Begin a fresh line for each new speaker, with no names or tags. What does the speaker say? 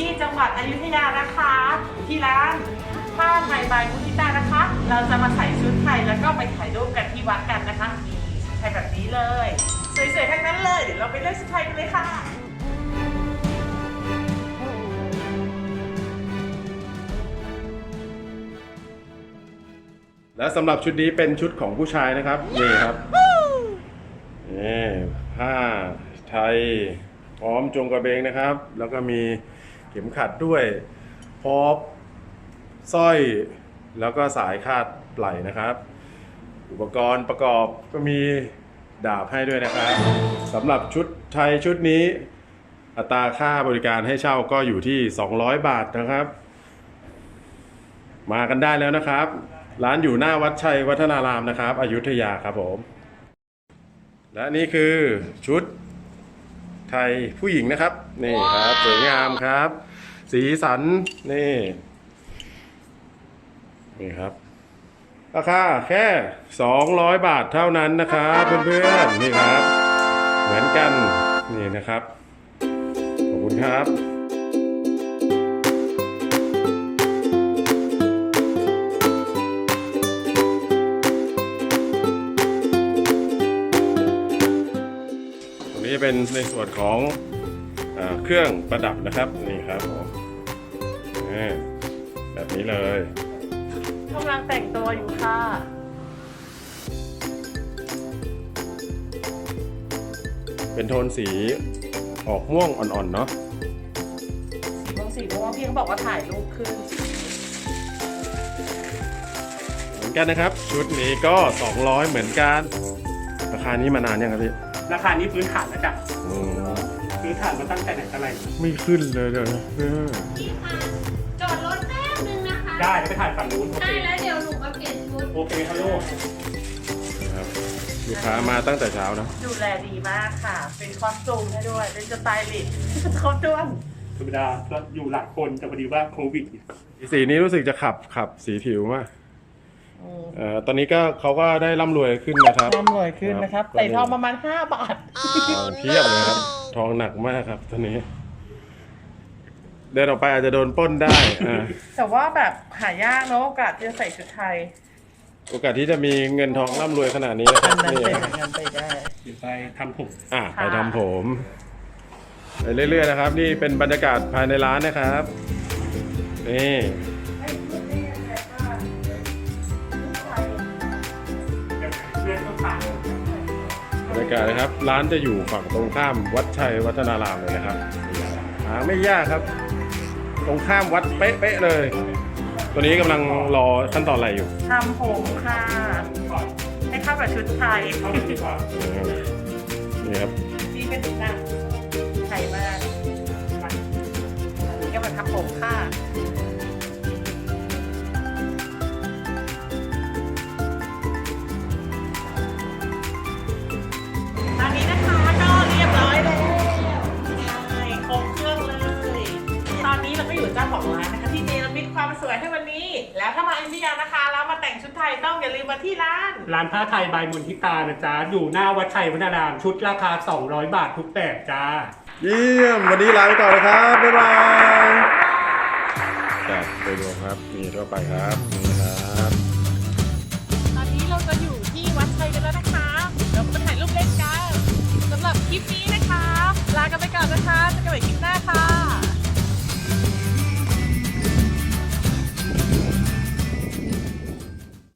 ที่จังหวัดอยุธยานะคะที่ร้านผ้าไทยบายมุทิตานะคะ เราจะมาใส่ชุดไทยแล้วก็ไปถ่ายรูปกันที่วัดกันนะคะมีชุดไทยแบบนี้เลยสวยๆทั้งนั้นเลยเดี๋ยวเราไปเลือกชุดไทยกันเลยค่ะ
และสำหรับชุดนี้เป็นชุดของผู้ชายนะครับนี่ครับนี่ผ้าไทยพร้อมจงกระเบนนะครับ แล้วก็มีเข็มขัดด้วยพร้อมสร้อยแล้วก็สายคาดไหล่นะครับ อุปกรณ์ประกอบก็มีดาบให้ด้วยนะครับสำหรับชุดไทยชุดนี้อัตราค่าบริการให้เช่าก็อยู่ที่200 บาทนะครับ มากันได้แล้วนะครับร้านอยู่หน้าวัดชัยวัฒนารามนะครับอยุธยาครับผมและนี่คือชุดไทยผู้หญิงนะครับนี่ครับสวยงามครับสีสันนี่ครับราคาแค่200 บาทเท่านั้นนะครับเพื่อนๆนี่ครับเหมือนกันนี่นะครับขอบคุณครับนี่เป็นในส่วนของเครื่องประดับนะครับนี่ครับผมแบบนี้เลย
กำลังแต่งตัวอยู่ค่ะ
เป็นโทนสีออกม่วงอ่อนๆเนาะ
สีม่วงพี่เขาบอกว่าถ่ายรูปขึ้น
เหมือนกันนะครับชุดนี้ก็200เหมือนกันราคานี้มานานยังครับพี่
ราคานี้พื้นฐานแล้วจ้ะพื้นฐานมาตั้งแต่ไหนแต่ไร
ไม่ขึ้นเลยเดี๋ยวนะ
พี่คะจอดรถแป๊บนึงนะคะ
ได้ไปถ่ายฝั่งนู้นโอเค
ได้แล้วเดี๋ยวหนูมาเปลี่ยนชุด
โอเคฮัลโหล
ครับลูกค้ามาตั้งแต่เช้านะ
ดูแลดีมากค่ะเป็นคอสตูมให้ด้วยเป็นสไตลิสต์ครบถ้วน
ธรรมดาก็อยู่หลักคนแต่พอดีว่าโควิด
สีนี้รู้สึกจะขับสีผิวมากตอนนี้ก็เขาก็ได้ร่ำรวยขึ้นนะครับ
ร่ำรวยขึ้นนะครับใส่ทองประมาณ5 บาท
เพียบเลยครับทองหนักมากครับตอนนี้เดินออกไปอาจจะโดนปล้นได้
แต่ว่าแบบหายากเนอะโอกาสที่จะใส่ชุดไทย
โอกาสที่จะมีเงินทองร่ำรวยขนาดนี้นะครับ
นี่ครับไปได้
เดี๋ยวไปทำผม
ไปทำผมไปเรื่อยๆนะครับนี่เป็นบรรยากาศภายในร้านนะครับนี่บรรยากาศนะครับร้านจะอยู่ฝั่งตรงข้ามวัดชัยวัฒนารามเลยนะครับหาไม่ยากครับตรงข้ามวัดเป๊ะๆเลยตัวนี้กำลังรอขั้นตอนอะไรอยู่
ทำผมค่ะให้เข้ากับชุดไทย
นี่ครับ
นี่เป็นหนังไทยมากนี่ก็มาทำผมค่ะตอนนี้นะคะก็เรียบร้อยแล้วครบเครื่องเลยตอนนี้เราก็อยู่เจ้าของร้านนะคะที่เนรมิตความสวยให้วันนี้แล้วถ้ามาอยุธยานะคะแล้วมาแต่งชุดไทยต้องอย่าลืมมาที่
ร้านผ้าไทยบายมุทิตานะจ๊ะอยู่หน้าวัดชัยวัฒนารามชุดราคา200 บาททุกแบบจ้า
เยี่ยมวันนี้ลาไปก่อนเลยครับบ๊ายบายไปดูครับนี่ทั่วไปครับนี่ครับ
ตอนนี้เราจะอยู่ที่วัดชัยกันแล้วนะคะเราไปถ่ายรูปเล่นกันสำหรับคลิปนี้นะคะลากันไปก่อนนะคะเจอกันใหม่คลิปหน้าค่ะ